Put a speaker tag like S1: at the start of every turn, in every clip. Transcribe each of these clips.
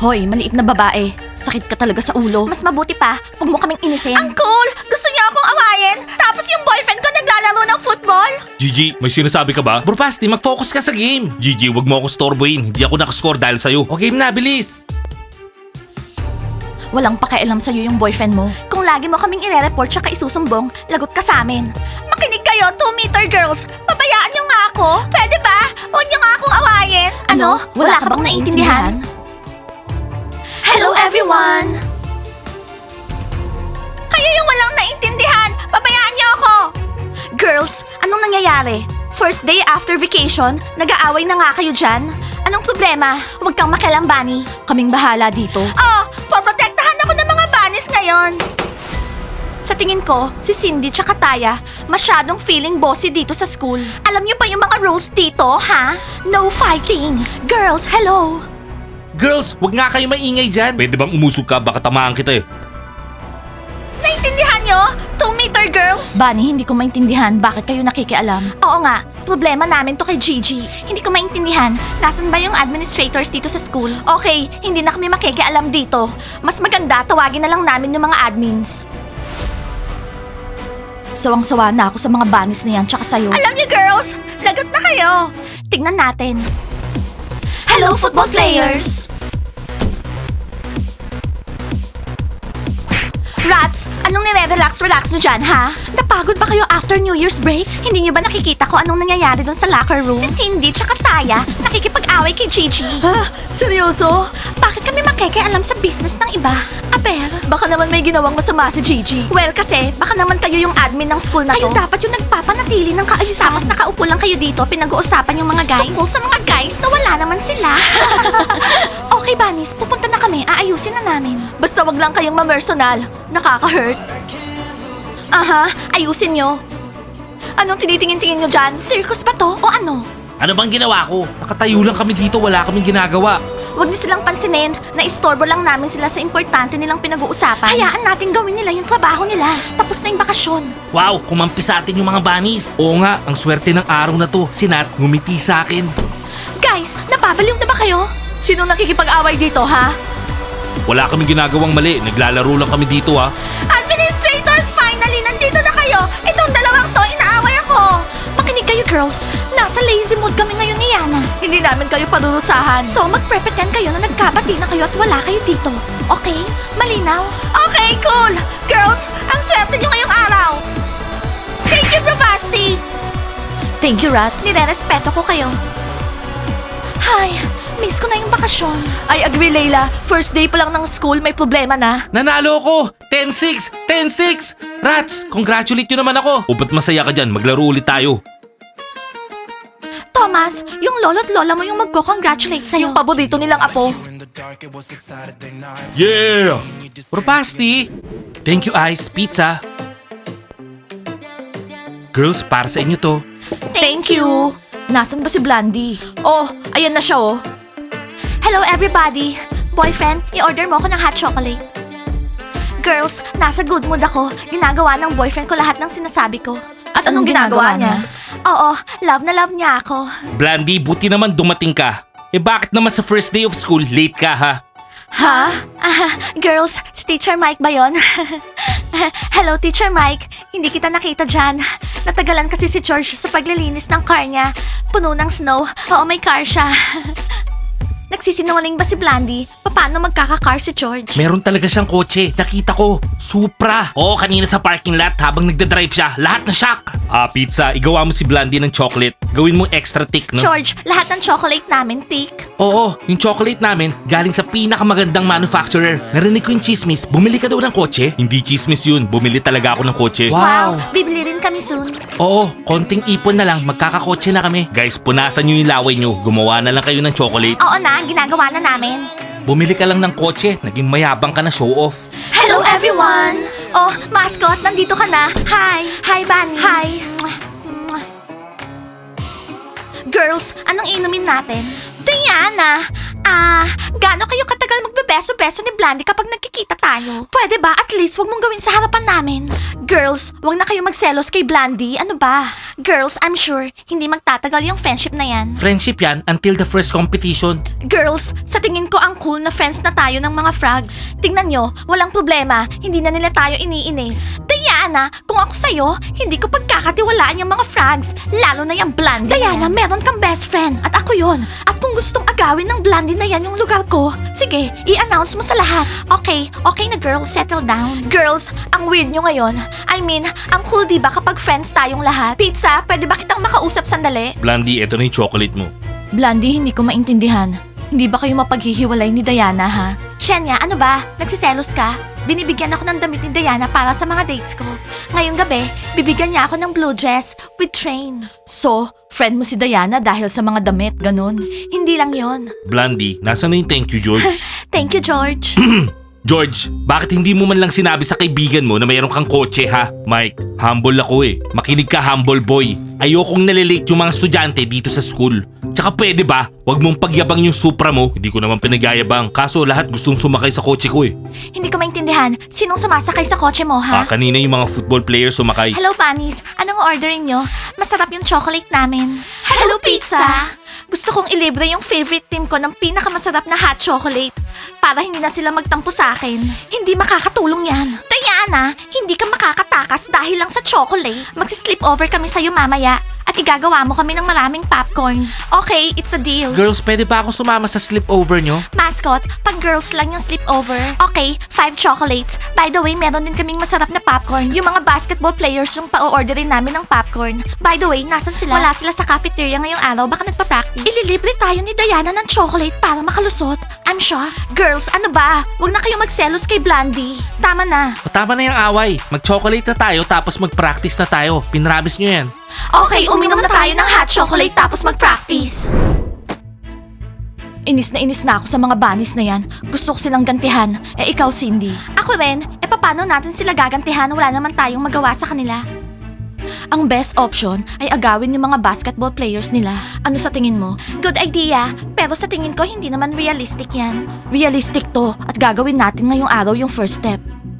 S1: Hoy, maliit na babae. Sakit ka talaga sa ulo. Mas mabuti pa, huwag mo kaming inisin.
S2: Ang cool! Gusto niya akong awayin, tapos yung boyfriend ko naglalaro ng football?
S3: Gigi, may sinasabi ka ba? Bro Basti, mag-focus ka sa game. Gigi, wag mo ako storboyin. Hindi ako nakascore dahil sa'yo. O game na, bilis.
S1: Walang pakialam sa'yo yung boyfriend mo. Kung lagi mo kaming ire-report tsaka isusumbong, lagot ka sa amin.
S2: Makinig kayo, 2-meter girls! Pabayaan niyo nga ako! Pwede ba? Huwag niyo nga akong awayin!
S1: Ano? Wala ka bang naiintindihan?
S2: Hello everyone! Kayo yung walang naintindihan! Pabayaan niyo ako!
S1: Girls, anong nangyayari? First day after vacation, nag-aaway na nga kayo dyan? Anong problema? Huwag kang makialam, Bunny. Kaming bahala dito.
S2: Oh, poprotektahan ako ng mga bunnies ngayon!
S1: Sa tingin ko, si Cindy tsaka Taya, masyadong feeling bossy dito sa school. Alam niyo pa yung mga rules dito, ha? No fighting! Girls, hello!
S3: Girls, wag nga kayo maingay dyan. Pwede bang umusog ka? Baka tamaan kita eh.
S2: Naintindihan niyo? 2-meter girls?
S1: Bunny, hindi ko maintindihan bakit kayo nakikialam. Oo nga, problema namin to kay Gigi. Hindi ko maintindihan, nasan ba yung administrators dito sa school? Okay, hindi na kami makikialam dito. Mas maganda, tawagin na lang namin yung mga admins. Sawang-sawa na ako sa mga bunnies na yan, tsaka sa'yo.
S2: Alam niyo girls, lagot na kayo!
S1: Tignan natin. Hello, football players! Rats, anong nire-relax nyo dyan, ha? Napagod ba kayo after New Year's break? Hindi nyo ba nakikita kung anong nangyayari doon sa locker room? Si Cindy tsaka Taya nakikipag-away kay Gigi.
S2: Ha? Seryoso?
S1: Bakit kami makikialam sa business ng iba? Aber,
S2: Baka naman may ginawang masama si Gigi.
S1: well kasi, baka naman kayo yung admin ng school na
S2: Kayo
S1: to. dapat yung nagpapanatili ng kaayusan. Tapos nakaupo lang kayo dito, pinag-uusapan yung mga guys.
S2: Tungkol sa mga guys na wala naman sila.
S1: Okay, Bunnies, pupunta na kami. Aayusin na namin.
S2: Basta wag lang kayong mamersonal. Nakaka-hurt.
S1: Aha, ayusin nyo.
S2: Anong tinitingin-tingin nyo dyan?
S1: Circus ba to o ano?
S3: Ano bang ginawa ko? Nakatayo lang kami dito, wala kaming ginagawa.
S1: Huwag niyo silang pansinin. Naistorbo lang namin sila sa importante nilang pinag-uusapan. Hayaan natin gawin nila yung trabaho nila. Tapos na yung bakasyon.
S3: Wow, kumampi sa atin yung mga bunnies. Oo nga, ang swerte ng araw na to. Si Nat, ngumiti sa akin.
S1: Guys, nababaliw na ba kayo?
S2: Sino nakikipag-away dito, ha?
S3: Wala kaming ginagawang mali, naglalaro lang kami dito ha.
S2: Administrators, finally, nandito na kayo! Itong dalawang to, inaaway ako!
S1: Makinig kayo, girls. Nasa lazy mood kami ngayon ni Yana.
S2: Hindi namin kayo panunusahan.
S1: So, magpre-pretend kayo na nagkabati na kayo at wala kayo dito. Okay? Malinaw?
S2: Okay, cool! Girls, ang swerte nyo ngayong araw! Thank you, Bravasti!
S1: Thank you, Rats. Nire-respeto ko kayo. Hi, miss ko na yung bakasyon.
S2: I agree, Layla. First day pa lang ng school, may problema na.
S3: Nanalo ko! 10-6! 10-6! Rats, congratulate nyo naman ako. O ba't masaya ka dyan? Maglaro ulit tayo.
S1: Thomas, yung lolo't lola mo yung magko-congratulate sa'yo.
S2: Yung paborito nilang apo.
S3: Yeah! Propasti! Thank you, Ice. Pizza. Girls, para sa inyo to.
S1: Thank you. Nasaan ba si Blandy?
S2: Oh, ayan na siya, oh.
S1: Hello everybody! Boyfriend, i-order mo ako ng hot chocolate. Girls, nasa good mood ako. Ginagawa ng boyfriend ko lahat ng sinasabi ko.
S2: At anong ginagawa niya?
S1: Oo, love na love niya ako.
S3: Blandy, buti naman dumating ka. Eh bakit naman sa first day of school, late ka ha?
S1: Ha? Girls, si Teacher Mike ba yon? Hello, Teacher Mike. Hindi kita nakita dyan. Natagalan kasi si George sa paglilinis ng car niya. Puno ng snow. Oo, may car siya. Nagsisinungaling ba si Blandy? Paano magkaka-car si George?
S3: Meron talaga siyang kotse. Nakita ko. Supra. Oo, kanina sa parking lot habang nagdadrive siya. Lahat na shock. Pizza, igawa mo si Blandy ng chocolate. Gawin mo extra thick, no?
S1: George, lahat ng chocolate namin, thick.
S3: Oo, yung chocolate namin galing sa pinakamagandang manufacturer. Narinig ko yung chismis. Bumili ka daw ng kotse? Hindi chismis yun. Bumili talaga ako ng kotse.
S1: Wow, bibili rin kami soon.
S3: Oo, konting ipon na lang. Magkakakotse na kami. Guys, punasan nyo yung laway nyo. Gumawa na lang kayo ng chocolate.
S1: Oo na, ginagawa na namin.
S3: Bumili ka lang ng kotse. Naging mayabang ka na, show off.
S1: Hello everyone! Oh, mascot, nandito ka na. Hi! Hi, Bunny! Hi! Girls, anong inumin natin? Diana, Gaano kayo katagal magbebeso-beso ni Blandy kapag nagkikita tayo? Pwede ba at least wag mong gawin sa harapan namin? Girls, wag na kayo magselos kay Blandy. Ano ba? Girls, I'm sure hindi magtatagal yung friendship na yan.
S3: Friendship yan until the first competition.
S1: Girls, sa tingin ko ang cool na friends na tayo ng mga frogs. Tingnan nyo, walang problema. Hindi na nila tayo iniinis. Diana, kung ako sa'yo, hindi ko pagkakatiwalaan yung mga frogs. Lalo na yung Blandy. Diana, meron kang best friend. At ako yon. At kung gustong agawin ng Blandy na yan yung lugar ko, sige, i-announce mo sa lahat. Okay na girls, settle down. Girls, ang weird nyo ngayon. I mean, ang cool diba kapag friends tayong lahat? Pizza, pwede ba kitang makausap sandali?
S3: Blandy, eto na yung chocolate mo.
S1: Blandy, hindi ko maintindihan. Hindi ba kayo mapaghihiwalay ni Diana, ha? Shenya, ano ba? Nagsiselos ka? Binibigyan ako ng damit ni Diana para sa mga dates ko. Ngayong gabi, bibigyan niya ako ng blue dress with train. So, friend mo si Diana dahil sa mga damit, ganun? Hindi lang yon.
S3: Blandy, nasa na yung thank you, George?
S1: Thank you, George.
S3: George, bakit hindi mo man lang sinabi sa kaibigan mo na mayroon kang kotse ha? Mike, humble ako eh. Makinig ka, humble boy. Ayokong nalilate yung mga estudyante dito sa school. Tsaka pwede ba, wag mong pagyabang yung Supra mo. Hindi ko naman pinagayabang. Kaso lahat gustong sumakay sa kotse ko eh.
S1: Hindi ko maintindihan. Sinong sumasakay sa kotse mo, ha?
S3: Kanina yung mga football players sumakay.
S1: Hello, Bunnies. Anong orderin nyo? Masarap yung chocolate namin. Hello, pizza! Gusto kong ilibre yung favorite team ko ng pinakamasarap na hot chocolate para hindi na sila magtampo sa akin. Hindi makakatulong yan. Diana, hindi ka makakatakas dahil lang sa chocolate. Magsi-sleep over kami sa'yo mamaya at igagawa mo kami ng maraming popcorn. Okay, it's a deal.
S3: Girls, pwede ba ako sumama sa sleepover nyo?
S1: Mascot, pag girls lang yung sleepover. Okay, 5 chocolates. By the way, meron din kaming masarap na popcorn. Yung mga basketball players yung pa-orderin namin ng popcorn. By the way, nasan sila? Wala sila sa cafeteria ngayong araw, baka nagpa-practice. Ililibre tayo ni Diana ng chocolate para makalusot. I'm shocked. Girls, ano ba? Huwag na kayo magselos kay Blandy. Tama na.
S3: Tama na yung away. Mag-chocolate na tayo tapos mag-practice na tayo. Pinramis nyo yan.
S1: Okay, uminom na tayo ng hot chocolate tapos mag-practice. Inis na ako sa mga bunnies na yan. Gusto ko silang gantihan. Ikaw, Cindy. Ako rin. Paano natin sila gagantihan? Wala naman tayong magawa sa kanila. Ang best option ay agawin yung mga basketball players nila. Ano sa tingin mo? Good idea. Pero sa tingin ko, hindi naman realistic yan. Realistic to at gagawin natin ngayong araw yung first step.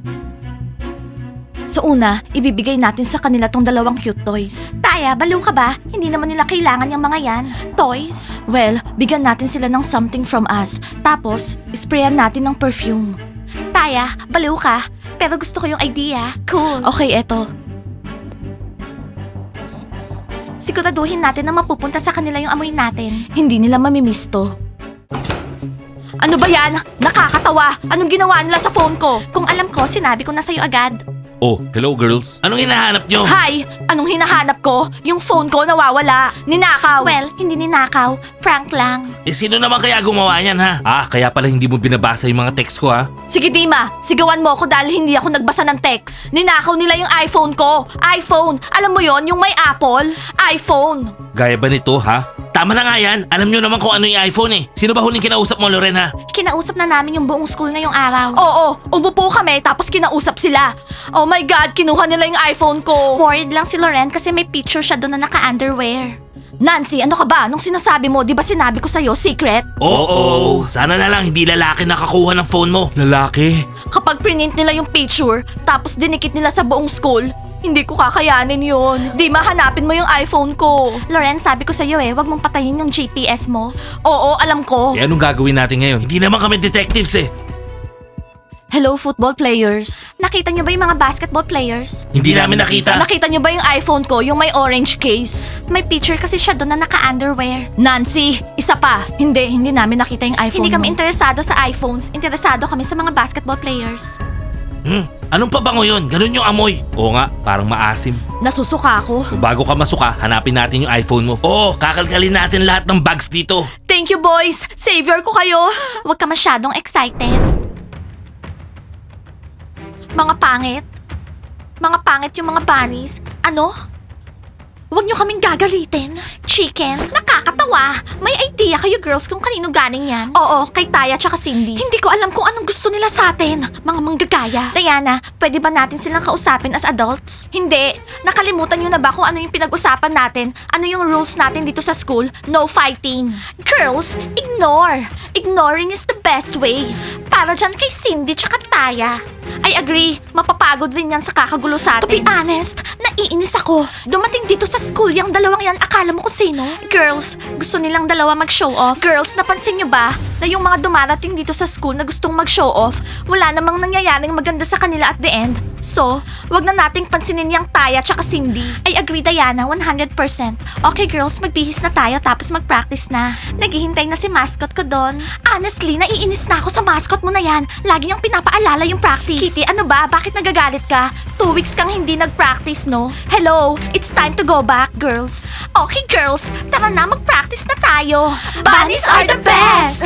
S1: So una, ibibigay natin sa kanila tong 2 cute toys. Taya, baliw ka ba? Hindi naman nila kailangan yung mga yan. Toys? Well, bigyan natin sila ng something from us. Tapos, sprayan natin ng perfume. Taya, baliw ka. Pero gusto ko yung idea. Cool. Okay, eto. Siguraduhin natin na mapupunta sa kanila yung amoy natin. Hindi nila mamimiss to. Ano ba yan? Nakakatawa! Anong ginawa nila sa phone ko? Kung alam ko, sinabi ko na sa'yo agad.
S3: Oh, hello girls. Anong hinahanap nyo?
S1: Hi! Anong hinahanap ko? Yung phone ko nawawala. Ninakaw. Well, hindi ninakaw. Prank lang.
S3: Sino naman kaya gumawa niyan ha? Kaya pala hindi mo binabasa yung mga text ko ha?
S1: Sige Dima, sigawan mo ako dahil hindi ako nagbasa ng text. Ninakaw nila yung iPhone ko. iPhone! Alam mo yon yung may Apple? iPhone!
S3: Gaya ba nito ha? Tama na nga yan. Alam nyo naman kung ano yung iPhone eh. Sino ba huling kinausap mo, Loren ha?
S1: Kinausap na namin yung buong school na yung araw. Oo, umupo kami tapos kinausap sila. Oh my God, kinuha nila yung iPhone ko. Worried lang si Loren kasi may picture siya doon na naka-underwear. Nancy, ano ka ba? Nung sinasabi mo, di ba sinabi ko sa'yo, secret?
S3: Oo, sana na lang hindi lalaki nakakuha ng phone mo. Lalaki?
S1: Kapag print nila yung picture, tapos dinikit nila sa buong school, hindi ko kakayanin yun. Di mahanapin mo yung iPhone ko. Loren, sabi ko sa'yo wag mong patayin yung GPS mo. Oo, alam ko.
S3: Anong gagawin natin ngayon? Hindi naman kami detectives eh.
S1: Hello, football players. Nakita niyo ba yung mga basketball players?
S3: Hindi namin nakita.
S1: Nakita niyo ba yung iPhone ko, yung may orange case? May picture kasi siya doon na naka-underwear. Nancy, isa pa. Hindi namin nakita yung iPhone. Hindi kami interesado sa iPhones. Interesado kami sa mga basketball players.
S3: Anong pabango yun? Ganun yung amoy. Oo nga, parang maasim.
S1: Nasusuka ako.
S3: Kung bago ka masuka, hanapin natin yung iPhone mo. Oo, kakalkalin natin lahat ng bags dito.
S1: Thank you, boys! Savior ko kayo! Huwag ka masyadong excited. Mga pangit. Mga pangit yung mga bunnies. Ano? Huwag niyo kaming gagalitin. Chicken, nakakatawa. May idea kayo girls kung kanino galing yan? Oo, kay Taya tsaka Cindy. Hindi ko alam kung anong gusto nila sa atin. Mga manggagaya. Diana, pwede ba natin silang kausapin as adults? Hindi. Nakalimutan niyo na ba kung ano yung pinag-usapan natin? Ano yung rules natin dito sa school? No fighting. Girls, ignore. Ignoring is the best way. Para dyan kay Cindy tsaka Taya. I agree. Mapapagod din yan sa kakagulo sa atin. To be honest, naiinis ako. Dumating dito sa school yung dalawang yan. Akala mo kung sino? Girls, gusto nilang dalawa mag-show off. Girls, napansin nyo ba na yung mga dumarating dito sa school na gustong mag-show off, wala namang nangyayaring maganda sa kanila at the end? So, wag na nating pansinin yung Taya tsaka Cindy. I agree, Diana, 100%. Okay girls, magbihis na tayo tapos mag-practice na. Naghihintay na si mascot ko doon. Honestly, naiinis na ako sa mascot mo na yan. Lagi niyang pinapaalala yung practice. Kitty, ano ba? Bakit nagagalit ka? 2 weeks kang hindi nag-practice, no? Hello, it's time to go back, girls. Okay, girls, tara na, mag-practice na tayo. Bunnies are the best!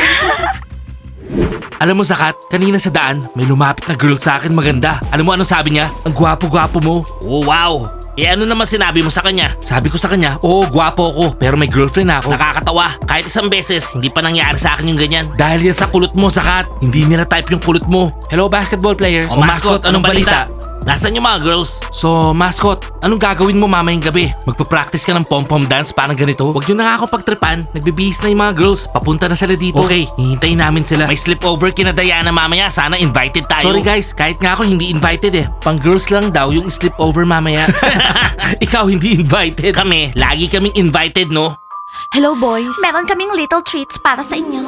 S3: Alam mo, Zakat, kanina sa daan, may lumapit na girl sa akin maganda. Alam mo anong sabi niya? Ang gwapo-gwapo mo. Oh, wow! Eh ano naman sinabi mo sa kanya? Sabi ko sa kanya, oo, gwapo ako, pero may girlfriend na ako. Nakakatawa. Kahit isang beses, hindi pa nangyari sa akin yung ganyan. Dahil yan sa kulot mo, Zakat. Hindi nila type yung kulot mo. Hello, basketball players.
S2: Oh, mascot, anong balita?
S3: Nasaan yung mga girls? So, mascot, anong gagawin mo mamayang gabi? Magpa-practice ka ng pom-pom dance parang ganito? Huwag nyo nakakapagtripan. Nagbibihis na yung mga girls. Papunta na sila dito. Okay, hihintayin namin sila. May sleepover kina Diana mamaya. Sana invited tayo. Sorry guys, kahit nga ako hindi invited eh. Pang girls lang daw yung sleepover mamaya. Ikaw hindi invited. Kami, lagi kaming invited, no?
S1: Hello boys. Meron kaming little treats para sa inyo.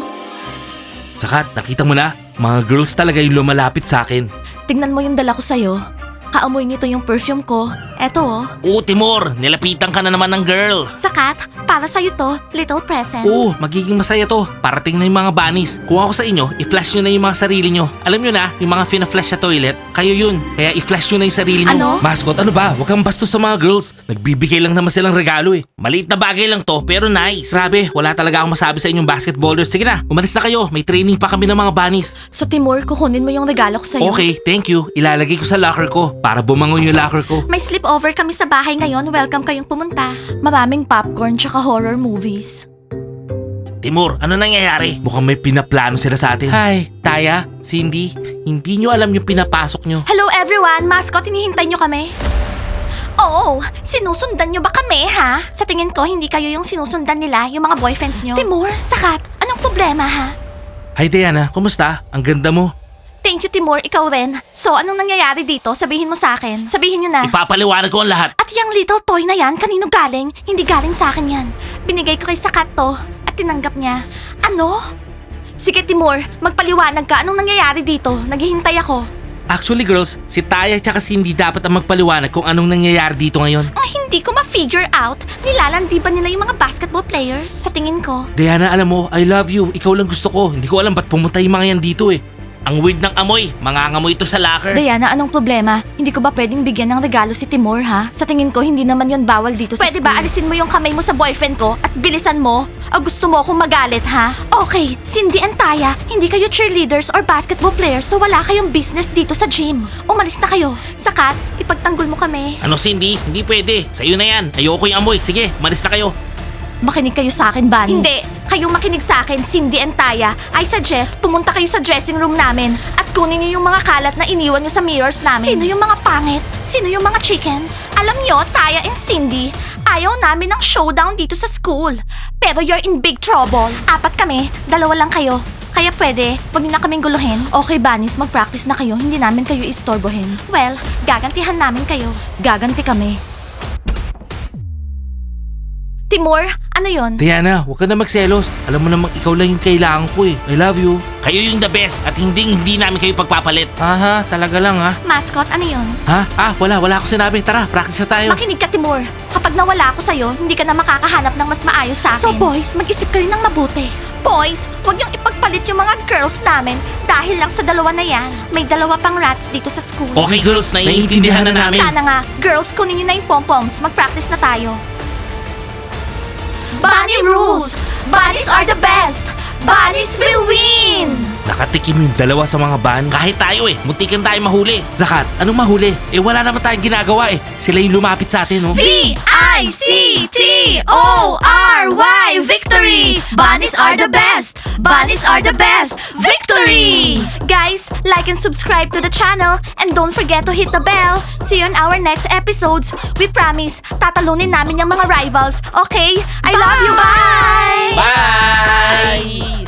S3: Zakat, nakita mo na? Mga girls talaga yung lumalapit sa akin.
S1: Tingnan mo yung dala ko sa'yo. Kaamoy nito yung perfume ko. Eto oh.
S3: Oo, Timur, nilapitan ka na naman ng girl.
S1: Sakat, para sa'yo to, little present.
S3: Oo, magiging masaya to. Parating na yung mga bunnies. Kung ako sa inyo, i-flash nyo na yung mga sarili nyo. Alam nyo na, yung mga fina-flash sa toilet, kayo yun. Kaya i-flash nyo na yung sarili nyo.
S1: Ano?
S3: Mascot, ano ba? Huwag kang bastos sa mga girls. Nagbibigay lang naman silang regalo eh. Maliit na bagay lang to, pero nice. Grabe, wala talaga akong masabi sa inyong basketballers. Sige na, umalis na kayo. May training pa kami ng mga bunnies.
S1: So Timur, kukunin mo yung regalo ko sa'yo.
S3: Okay, thank you. Ilalagay ko sa locker ko para bumangon yung locker ko.
S1: May sleepover kami sa bahay ngayon. Welcome kayong pumunta. Maraming popcorn tsaka horror movies.
S3: Timur, ano nangyayari? Mukhang may pinaplano sila sa atin. Hi, Taya, Cindy, hindi nyo alam yung pinapasok nyo.
S1: Hello everyone! Mascot, hinihintay nyo kami? Oo, sinusundan nyo ba kami ha? Sa tingin ko, hindi kayo yung sinusundan nila, yung mga boyfriends nyo. Timur, Sakat, anong problema ha?
S3: Hi Diana, kumusta? Ang ganda mo.
S1: Thank you Timur, ikaw rin. So, anong nangyayari dito? Sabihin mo sa akin. Sabihin nyo na.
S3: Ipapaliwanag ko ang lahat.
S1: At yung little toy na yan, kanino galing? Hindi galing sa akin yan. Binigay ko kay Sakat to at tinanggap niya. Ano? Sige Timur, magpaliwanag ka. Anong nangyayari dito? Naghihintay ako.
S3: Actually girls, si Taya at Cindy dapat ang magpaliwanag kung anong nangyayari dito ngayon.
S1: Ang hindi ko ma-figure out, nilalandi ba nila yung mga basketball players? Sa tingin ko.
S3: Diana, alam mo, I love you. Ikaw lang gusto ko. Hindi ko alam ba't pumunta yung mga yan dito eh. Ang weird ng amoy. Mangangamoy ito sa locker.
S1: Diana, anong problema? Hindi ko ba pwedeng bigyan ng regalo si Timur, ha? Sa tingin ko, hindi naman yon bawal dito sa school. Pwede ba alisin mo yung kamay mo sa boyfriend ko at bilisan mo? O gusto mo akong magalit, ha? Okay, Cindy and Taya, hindi kayo cheerleaders or basketball players so wala kayong business dito sa gym. Umalis na kayo. Sakat, ipagtanggol mo kami.
S3: Ano Cindy? Hindi pwede. Sa'yo na yan. Ayoko yung amoy. Sige, malis na kayo.
S1: Makinig kayo sa akin, Bunnies. Hindi. Kayong makinig sa akin, Cindy and Taya. I suggest, pumunta kayo sa dressing room namin at kunin niyo yung mga kalat na iniwan niyo sa mirrors namin. Sino yung mga pangit? Sino yung mga chickens? Alam niyo, Taya and Cindy, ayaw namin ng showdown dito sa school. Pero you're in big trouble. 4 kami, 2 lang kayo. Kaya pwede, wag niyo na kaming guluhin. Okay, Bunnies, mag-practice na kayo. Hindi namin kayo istorbohin. Well, gagantihan namin kayo. Gaganti kami. Timur, ano yon?
S3: Diana, huwag ka na magselos. Alam mo namang ikaw lang yung kailangan ko eh. I love you. Kayo yung the best at hindi namin kayo pagpapalit. Aha, talaga lang ha.
S1: Mascot, ano yon?
S3: Ha? Wala ako sinabi. Tara, practice na tayo.
S1: Makinig ka, Timur. Kapag nawala ako sa'yo, hindi ka na makakahanap ng mas maayos sa akin. So boys, mag-isip kayo ng mabuti. Boys, huwag niyong ipagpalit yung mga girls namin dahil lang sa 2 na yan. May 2 pang rats dito sa school.
S3: Okay girls, naiintindihan na namin.
S1: Sana nga, girls, kunin niyo na yung pom-poms. Mag-practice na tayo. Bunny rules! Bunnies are the best! Bunnies will win!
S3: Nakatikim yung 2 sa mga bunny. Kahit tayo eh, muntikan tayo mahuli. Zakat, anong mahuli? Eh wala naman tayong ginagawa eh. Sila yung lumapit sa atin, no?
S1: V.I. V-I-C-T-O-R-Y, victory! Bunnies are the best! Bunnies are the best! Victory! Guys, like and subscribe to the channel and don't forget to hit the bell. See you on our next episodes. We promise, tatalunin namin yung mga rivals. Okay? I love you. Bye!
S3: Bye!